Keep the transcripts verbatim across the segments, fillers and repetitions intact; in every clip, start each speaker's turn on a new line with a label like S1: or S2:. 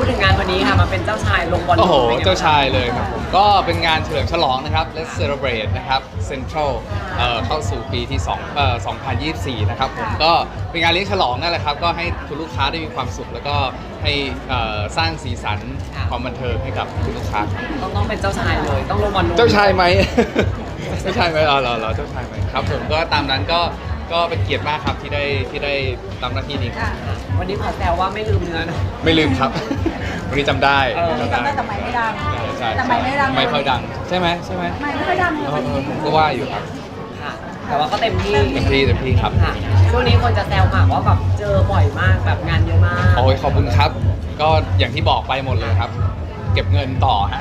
S1: ดถึงงานวันนี้ค่ะมาเป็นเจ้าชายลงบอล
S2: โอ้โห
S1: ป็นไงบ้ง
S2: เจ้าชายเลยครับผมก็เป็นงานเฉลิมฉลองนะครับ Let's Celebrate นะครับ Central เอ่อเข้าสู่ปีที่2เอ่อสองพันยี่สิบสี่นะครับผมก็เป็นงานเลี้ยงฉลองนั่นแหละครับก็ให้คุณลูกค้าได้มีความสุข แล้วก็ให้เอ่อสร้างสีสันความบันเทิงให้กับคุณลูกค้า
S1: ต้องต้องเป็นเจ้าชายเลยต้องลงบอล
S2: เจ้าชายไหม เจ้าชายไหมอ๋อเหรอเหรอเจ้าชายไหมครับผมก็ตามนั้นก็ก็เป็นเกียรติมากครับที่ได้ที่ได้ทำหน้าที่นี้ครับ
S1: วันนี้ขอแซวว่าไม่ลืมเนื้อนะ
S2: ไม่ลืมครับ วันนี้จำได้
S1: เออ
S3: จำได้แต่ไม่ไม่ดัง
S2: ใช่ใช่
S3: แต่ไม่ไม่ดัง
S2: ไม่ค่อยดังใช่ไหมใช่ไหม
S3: ไม่ไม่ค่อยดังเล
S2: เออย เออผมก็ว่าอยู่ครับ
S1: ค่ะแต่ว่าก็เต็มที่
S2: เต็มที่เต็มที่ครับ
S1: ค่ะช่วงนี้คนจะแซวหมากว่าแบบเจอบ่อยมากแบบงานเยอะมาก
S2: โอ้ยขอบคุณครับ ก็อย่างที่บอกไปหมดเลยครับ เก็บเงินต่อฮะ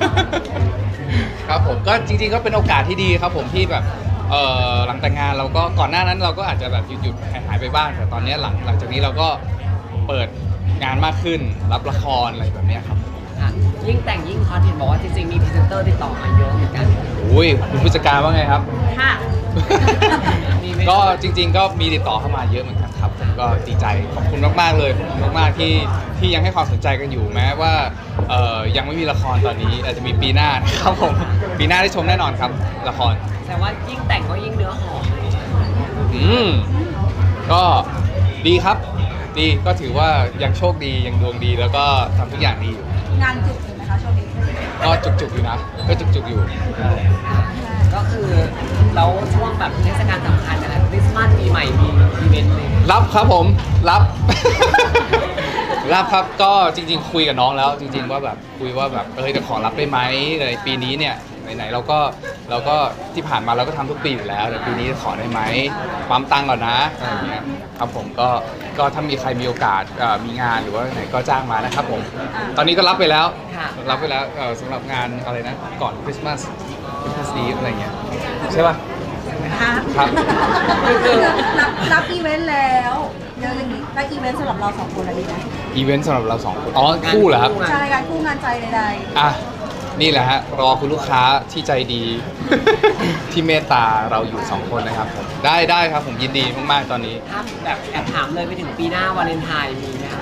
S2: ครับผมก็จริงๆก็เป็นโอกาสที่ดีครับผมที่แบบเอ่อหลังแต่งงานเราก็ก่อนหน้านั้นเราก็อาจจะแบบหยุดๆหายๆไปบ้างแต่ตอนนี้หลังหลังจากนี้เราก็เปิดงานมากขึ้นรับละครอะไรแบบเนี้ยครับ
S1: ค่ะยิ่งแต่งยิ่งฮอตเห็นบอกว่าจริงๆมีพรีเซนเตอร์ติดต่อมาเยอะเหมือนกัน
S2: อุ้ยคุณผู้จัดการว่าไงครับ
S1: ค่ะ มีไหม
S2: ก็จริงๆก็มีติดต่อเข้ามาเยอะเหมือนกันครับผมก็ดีใจขอบคุณมากๆเลยขอบคุณมากๆที่ที่ยังให้ความสนใจกันอยู่แม้ว่าเอ่อยังไม่มีละครตอนนี้อาจจะมีปีหน้านะครับผมปีหน้าได้ชมแน่นอนครับละคร
S1: แต่ว่ายิ่งแต่งก็ยิ่งเนื้อหอม
S2: อืมก็ดีครับ ดีก็ถือว่ายังโชคดียังดวงดีแล้วก็ทำทุกอย่างดีอยู่
S3: งานจุกอยู่ไหมคะช่วงนี้
S2: ก็จุกๆอยู่นะก็จุกๆอยู่
S1: ก็คือแล้วช่วงแบบเทศกาลสำคัญอะไรคริสต์มาสปีใหม่มีอีเวนต์เลย
S2: รับครับผมรับ รับครับก็จริงๆ คุยกับน้องแล้ว จริง ๆ ว่าแบบคุยว่าแบบเออจะขอรับได้ไหมในปีนี้เนี่ยไหนๆเราก็เราก็ที่ผ่านมาเราก็ทำทุกปีอยู่แล้วแต่ปีนี้ขอได้ไหมปั๊มตังค์ก่อนนะอะไรอย่างเงี้ยครับผมก็ก็ถ้ามีใครมีโอกาสเอ่อมีงานหรือว่าไหนก็จ้างมานะครับผมตอนนี้ก็รับไปแล้ว
S1: ค่ะ
S2: รับไปแล้วเอ่อสำหรับงานอะไรนะก่อนคริสต์มาสคริสต์มาสอีฟอะไรเงี้ยใช่ป่ะ
S3: ครับ
S2: ครับ
S3: รับรับอีเวนต์แล้วเยอะอย่างนี้แล้วอีเวนต์สำหรับเราสองคนอะไรดีไหม
S2: อีเวนต์สำหรับเราสองคนอ๋อคู่เหรอครับ
S3: ใช่การคู่งานใจใด
S2: อ่ะนี่แหละฮะรอคุณลูกค้าที่ใจดี ที่เมตตาเราอยู่สองคนนะครับผมได้ได้ครับผมยินดีมากๆตอนนี้
S1: ถ้าแบบแอบถามเลยไปถึงปีหน้าวาเลนไทน์มีไหมคะ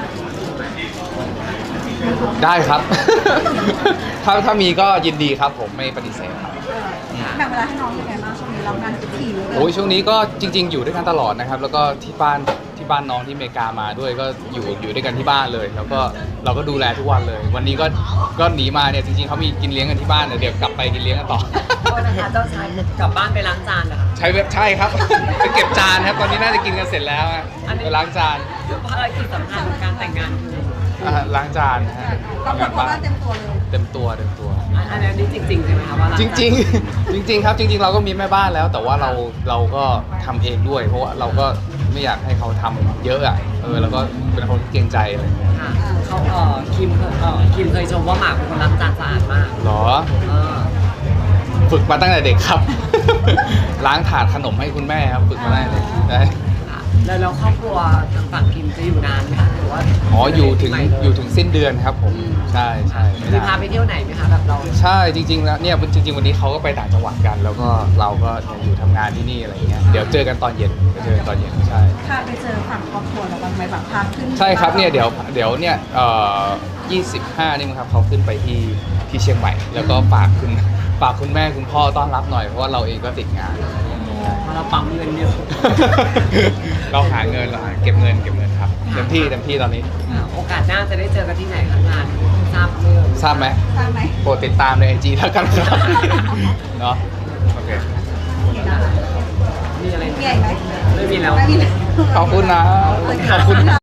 S2: ได้ครับ ถ้าถ้ามีก็ยินดีครับผมไม่ปฏิเสธครับ
S3: ๆแบ่งเวลาให้น้องยังไงบ้างช่วงนี้เรางานถี่เลย
S2: โอ้ยช่วงนี้ก็จริง ๆ อยู่ด้วยกันตลอดนะครับ แล้วก็ที่บ้านที่บ้านน้องที่อเมริกามาด้วยก็อยู่อยู่ด้วยกันที่บ้านเลย แล้วก็เราก็ดูแลทุกวันเลย วันนี้ก็ก็หนีมาเนี่ยจริงๆเขามีกินเลี้ยงกันที่บ้านเดี๋ยวกลับไปกินเลี้ยงกันต่อ
S1: โทษนะคะเจ้าชายกลับบ้านไปล้างจานเหรอคะ
S2: ใช้เว็บใช่ครับ ไปเก็บจานครับตอนนี้น่าจะกินกันเสร็จแล้วอะ
S1: อันนี้
S2: ไปล้างจาน
S1: ภารกิจสำคัญของการแต่งงานคือ
S2: อ่าล้างจานนะฮะ
S3: เราคนพ่อบ้านเต็มตัวเลย
S2: เต็มตัวเต็มตัว
S1: อันอันนี้จริงๆใช่ไหมคะว่าล้า
S2: จ
S1: จาน
S2: ริงๆ จริง ๆ ครับจริง ๆ เราก็มีแม่บ้านแล้ว แต่ว่าเราเราก็ทำเองด้วย เพราะว่าเราก็ไม่อยากให้เขาทำเยอะอ่ะเออแล้วก็เป็นคนเกรงใจอะไรอย่างเงี้ย
S1: ค่ะเขาเอ่อคิมเคยเอ่อคิมเคยชมว่าหมากเป็นคนล้างจานสะอาดมาก
S2: หรอ
S1: เออ
S2: ฝึกมาตั้งแต่เด็กครับ ล้างถาดขนมให้คุณแม่ครับฝึกมาตั้งแต่เด็กได้
S1: ค่ะแล้วแล้วครอบครัวทางฝั่งคิมจะอยู่นานไหมคะหรือว่า
S2: อ๋ออยู่ถึง
S1: ปีใหม่เล
S2: อยู่ถึงสิ้นเดือนครับผม
S1: อืม
S2: ใช่ใช่ไม่
S1: มี
S2: นาน
S1: พาไปเที่ยวไหนไหมคะแบบเรา
S2: ใช่จริงๆแล้วเนี่ยจริง ๆ วันนี้เขาก็ไปต่างจังหวัดกัน แล้วก็เราก็อยู่ทำงานที่นี่อะไรอย่างเงี้ยเดี๋ยวเจอกันตอนเย็นไปเจอกันตอนเย็นใช่
S3: พาไปเจอฝั่งครอบครัวเราบ้างไหมแบบพาขึ้น
S2: ใช่ครับเนี่ยเดี๋ยวเดี๋ยวเนี่ยเอ่อยี่สิบห้านี่มั้งครับเขาขึ้นไปที่ที่เชียงใหม่ แล้วก็ฝากคุณฝากคุณแม่คุณพ่อต้อนรับหน่อยเพราะว่าเราเองก็ติดงาน
S1: เพราะเราปั๊มเงินเยอะ
S2: เราหาเงินเราหาเก็บเงินเก็บเงินครับเต็มที่เต็มที่ตอนนี้
S1: ค่ะโอกาสหน้าจะได้เจอกันที่ไหนคะงานทราบเรื่อง
S2: ทราบไหม
S3: ทราบไหม
S2: โปรดติดตามในไอจีแล้วกันครับ เนาะโอเค
S1: มีอะไร
S3: มีอะไรไหม
S1: ไม่มีแล้ว
S3: ไม่มีเลย
S2: ขอบคุณนะขอบคุณ